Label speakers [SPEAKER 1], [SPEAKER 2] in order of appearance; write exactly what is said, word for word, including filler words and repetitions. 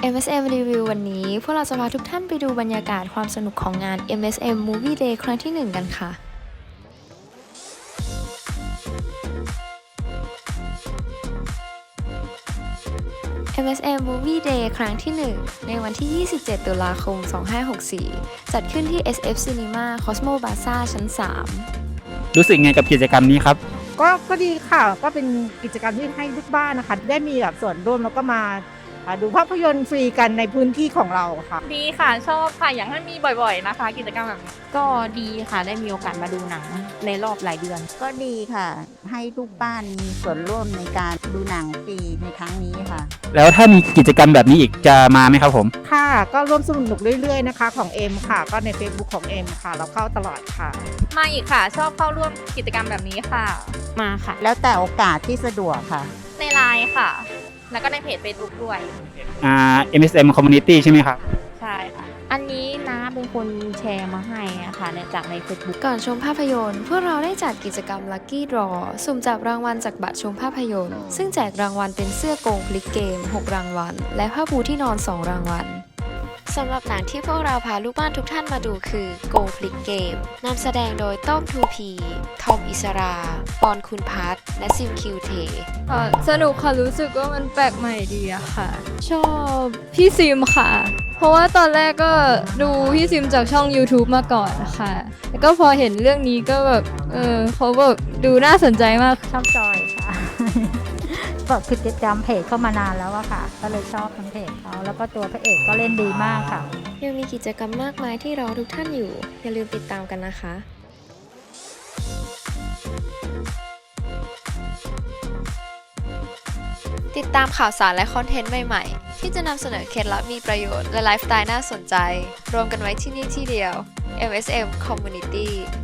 [SPEAKER 1] เอ็ม เอส เอ็ม Review วันนี้พวกเราจะพาทุกท่านไปดูบรรยากาศความสนุกของงาน เอ็ม เอส เอ็ม Movie Day ครั้งที่ หนึ่ง กันค่ะ เอ็ม เอส เอ็ม Movie Day ครั้งที่ หนึ่ง ในวันที่ ยี่สิบเจ็ด ตุลาคม สองพันห้าร้อยหกสิบสี่ จัดขึ้นที่ เอส เอฟ Cinema Cosmo Plaza ชั้น สาม
[SPEAKER 2] รู้สึกไงกับกิจกรรมนี้ครับ
[SPEAKER 3] ก็ก็ดีค่ะก็เป็นกิจกรรมที่ให้ลูกบ้านนะคะได้มีแบบส่วนร่วมแล้วก็มาอ่าดูภาพยนตร์ฟรีกันในพื้นที่ของเราค่ะ
[SPEAKER 4] ดีค่ะชอบค่ะอยากให้มีบ่อยๆนะคะ กิจกรรมแบบนี้ก็ดีค่ะได้มีโอกาสมาดูหนังในรอบหลายเดือน
[SPEAKER 5] ก็ดีค่ะ ให้ลูกบ้านมีส่วนร่วมในการดูหนังฟรีในครั้งนี้ค่ะ
[SPEAKER 2] แล้วถ้ามีกิจกรรมแบบนี้อีกจะมาไหมครับผม
[SPEAKER 3] ค่ะก็ร่วมสนุกเรื่อยๆนะคะของเอ็มค่ะ ก็ใน Facebook ของเอ็มค่ะ เราเข้าตลอดค่ะ
[SPEAKER 4] มาอีกค่ะ ชอบเข้าร่วมกิจกรรมแบบนี้ค่ะ มาค่ะ
[SPEAKER 5] แล้วแต่โอกาสที่สะดวกค่ะ
[SPEAKER 4] ในไลน์ค่ะ แล้วก็ในเพจ Facebook ด้วย
[SPEAKER 2] อ่า เอ็ม เอส เอ็ม Community ใช่ไหมครับ
[SPEAKER 4] ใช่ค่ะ อันนี้น้าเป็นคนแชร์มาให้อะค่ะในจากใน Facebook
[SPEAKER 1] ก่อนชมภาพยนตร์ พวกเราได้จัดกิจกรรม Lucky Draw สุ่มจับรางวัลจากบัตรชมภาพยนตร์ ซึ่งแจกรางวัลเป็นเสื้อโกงพลิกเกม หก รางวัล และผ้าปูที่นอน สอง รางวัล สำหรับหนังที่พวกเราพาลูกบ้านทุกท่านมาดูคือ Go Flick Game นำแสดงโดยต้อม ทู พี ทอม อิสรา ปอน คุณพัฒน์และซิม คิวเท
[SPEAKER 6] ค่ะสนุกค่ะรู้สึกว่ามันแปลกใหม่ดีอะค่ะ ชอบพี่ซิมค่ะ เพราะว่าตอนแรกก็ดูพี่ซิมจากช่อง YouTube มาก่อนนะคะแล้วก็พอเห็นเรื่องนี้ก็แบบเออเขาแบบดูน่าสนใจมาก
[SPEAKER 7] ชอบจอยค่ะ ก็คือติดตามเพจเข้ามานานแล้วอะค่ะ ก็เลยชอบทั้งเพจเขาแล้วก็ตัวพระเอกก็เล่นดีมากค่ะ
[SPEAKER 1] ยังมีกิจกรรมมากมายที่รอทุกท่านอยู่ อย่าลืมติดตามกันนะคะ ติดตามข่าวสารและคอนเทนต์ใหม่ๆ ที่จะนำเสนอเคล็ดลับมีประโยชน์และไลฟ์สไตล์น่าสนใจ รวมกันไว้ที่นี่ที่เดียว เอ็ม เอส เอ็ม Community